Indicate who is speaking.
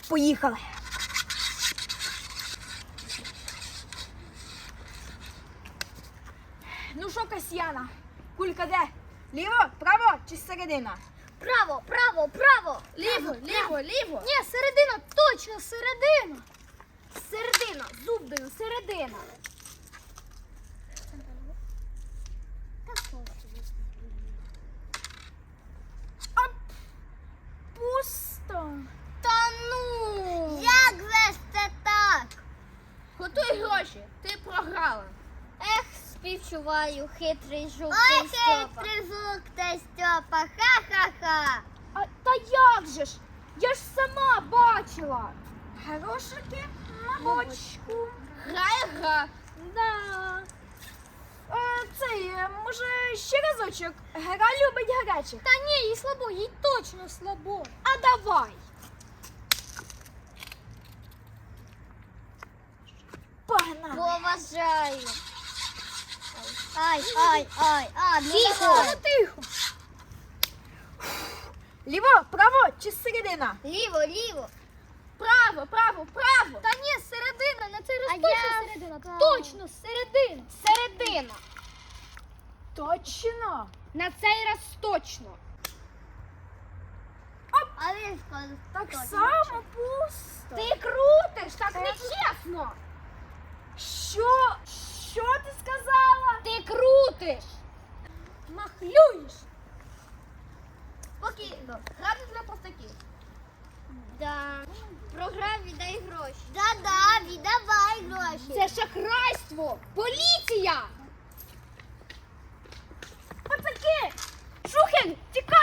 Speaker 1: Поїхали. Ну що, Касьяна, кулька де? Ліво, право чи середина?
Speaker 2: Право, право, право.
Speaker 1: Ліво, ліво, ліво.
Speaker 2: Ні, середина, точно, середина. Середина, зуб даю, середина.
Speaker 1: Пусто.
Speaker 2: Та ну! Як вести так?
Speaker 1: Готуй гроші, ти програла.
Speaker 2: Ех, співчуваю, хитрий жук та Стьопа. Хитрий жук та Стьопа, ха-ха-ха.
Speaker 1: Та як же ж? Я ж сама бачила. Грошики на бочку.
Speaker 2: Грає гра.
Speaker 1: Да. Може, ще разочок. Гра любить гарячих.
Speaker 2: Та ні, їй слабо, їй точно слабо.
Speaker 1: А давай. Погнали.
Speaker 2: Поважаю. Ай,
Speaker 1: Тихо. Тихо. Ліво, право чи середина?
Speaker 2: Ліво, ліво.
Speaker 1: Право, право, право.
Speaker 2: Та ні, середина, на цей раз
Speaker 1: А
Speaker 2: точно
Speaker 1: я
Speaker 2: середина.
Speaker 1: право.
Speaker 2: Точно, середина. Середина.
Speaker 1: Точно.
Speaker 2: На цей раз точно. А він сказав,
Speaker 1: Так само пусто.
Speaker 2: Ти крутиш, так нечесно.
Speaker 1: Що? Що ти сказала?
Speaker 2: Ти крутиш.
Speaker 1: Махлюєш.
Speaker 2: Спокійно. Грати для простаків. Да. Програв, віддай гроші. Да, віддавай гроші.
Speaker 1: Це шахрайство.
Speaker 2: Поліція!
Speaker 1: Пацаки! Шухер, тікай!